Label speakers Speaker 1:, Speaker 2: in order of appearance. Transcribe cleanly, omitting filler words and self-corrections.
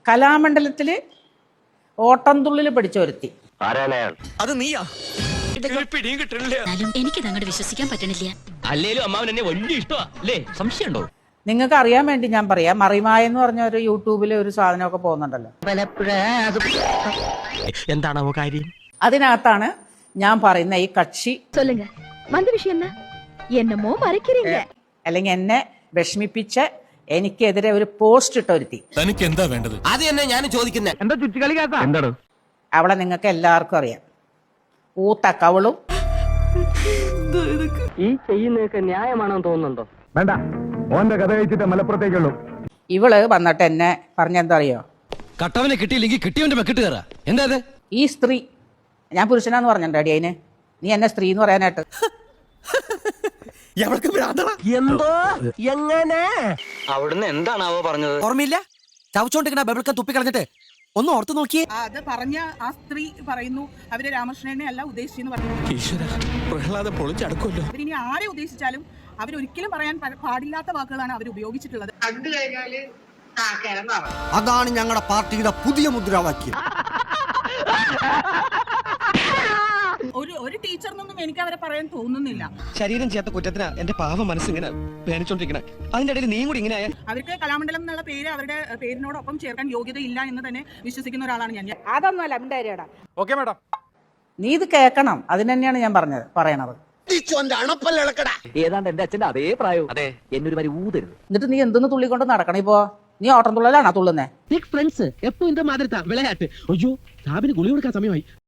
Speaker 1: കലാമണ്ഡലത്തില് ഓട്ടംതുള്ളിൽ പഠിച്ച ഒരുത്തി.
Speaker 2: അത് നീയാ?
Speaker 3: എനിക്കിത് അങ്ങോട്ട് വിശ്വസിക്കാൻ പറ്റണില്ല.
Speaker 4: അല്ലേലും അമ്മാവൻ എന്നെ വലിയ ഇഷ്ടമാ അല്ലേ? സംശയമുണ്ടോ?
Speaker 1: നിങ്ങൾക്ക് അറിയാൻ വേണ്ടി ഞാൻ പറയാം, മറിമായ എന്ന് പറഞ്ഞ ഒരു യൂട്യൂബിൽ ഒരു സാധനമൊക്കെ പോകുന്നുണ്ടല്ലോ.
Speaker 4: എന്താണാവോ കാര്യം?
Speaker 1: അതിനകത്താണ് ഞാൻ പറയുന്ന ഈ കക്ഷി അല്ലെങ്കിൽ എന്നെ വിഷമിപ്പിച്ച എനിക്കെതിരെ ഒരു പോസ്റ്റ് ഇട്ട ഒരുത്തി.
Speaker 2: തനിക്ക് എന്താ വേണ്ടത്?
Speaker 4: അത് തന്നെ ഞാൻ ചോദിക്കുന്നത്. എന്താ ചുറ്റിക്കളി? എന്താണ്
Speaker 1: അവളെ നിങ്ങൾക്ക് എല്ലാവർക്കും അറിയാം. ഊത്ത കവളും.
Speaker 5: ഈ ചെയ്യുന്നതൊക്കെ ന്യായമാണെന്ന് തോന്നുന്നുണ്ടോ?
Speaker 6: വേണ്ട, ഓന്റെ കഥ കഴിച്ചിട്ട് മലപ്പുറത്തേക്കുള്ളൂ.
Speaker 1: ഇവള് വന്നിട്ട് എന്നെ പറഞ്ഞെന്താ അറിയോ?
Speaker 2: കട്ടവനെ കിട്ടിയില്ലെങ്കിൽ കിട്ടിയവന്റെ മെക്കിട്ട് കയറാ. എന്താ അത്?
Speaker 1: ഈ സ്ത്രീ, ഞാൻ പുരുഷനാന്ന് പറഞ്ഞിട്ടുണ്ട് അടി അതിന്, നീ എന്നെ സ്ത്രീ എന്ന് പറയാനായിട്ട്.
Speaker 4: എന്തോ എങ്ങനെ
Speaker 5: അവിടുന്ന് എന്താണാവോ പറഞ്ഞത്?
Speaker 4: ഓർമ്മയില്ല? ചവച്ചോണ്ടിരിക്കണ ബബിൾക്ക തുപ്പിക്കളഞ്ഞിട്ട് ഒന്ന് ഓർത്ത് നോക്കിയേ.
Speaker 7: അത് പറഞ്ഞ ആ സ്ത്രീ പറയുന്നു അവര് രാമകൃഷ്ണനെ അല്ല ഉദ്ദേശിച്ചെന്ന് പറഞ്ഞു.
Speaker 2: പ്രഹ്ലാദം പൊളിച്ചടക്കുമല്ലോ.
Speaker 7: അവരിനി ആരെ ഉദ്ദേശിച്ചാലും അവരൊരിക്കലും പറയാൻ പാടില്ലാത്ത വാക്കുകളാണ് അവർ ഉപയോഗിച്ചിട്ടുള്ളത്.
Speaker 4: അതാണ് ഞങ്ങളുടെ പാർട്ടിയുടെ പുതിയ മുദ്രാവാക്യം.
Speaker 7: ഒരു ടീച്ചറിനൊന്നും എനിക്ക് അവരെ പറയാൻ തോന്നുന്നില്ല.
Speaker 8: ശരീരം ചെയ്യാത്ത കുറ്റത്തിനാ എന്റെ പാവ മനസ്സിങ്ങനെ വേദനിച്ചോണ്ടിരിക്കണേ. അതിന്റെ ഇടയിൽ നീ കൂടി ഇങ്ങനെ
Speaker 7: അവർക്ക് കലാമണ്ഡലം എന്നുള്ള പേര് അവരുടെ പേരിനോടൊപ്പം ചേർക്കാൻ യോഗ്യതയില്ല എന്ന് തന്നെ വിശ്വസിക്കുന്ന ഒരാളാണ് ഞാൻ.
Speaker 1: അതൊന്നുമല്ല മിണ്ടാരിയടാ. ഓക്കെ മാഡം, നീ ഇത് കേൾക്കണം. അതിന് തന്നെയാണ് ഞാൻ പറയണത്.
Speaker 5: ഏതാണ്ട് എന്റെ അച്ഛന്റെ അതേ പ്രായവും. അതെ, എന്നൊരു വരി ഊതരുത്.
Speaker 1: എന്നിട്ട് നീ എന്തെന്ന് തുള്ളിക്കൊണ്ട് നടക്കണം? ഇപ്പോ നീ ഓട്ടം തുള്ളലാണോ തുള്ളുന്നേ?
Speaker 8: ഫ്രണ്ട്സ് എപ്പോ ഇന്റെ മാതിരി വിളയാട്ട്. അയ്യോ, സാബിന് ഗുളി കൊടുക്കാൻ സമയമായി.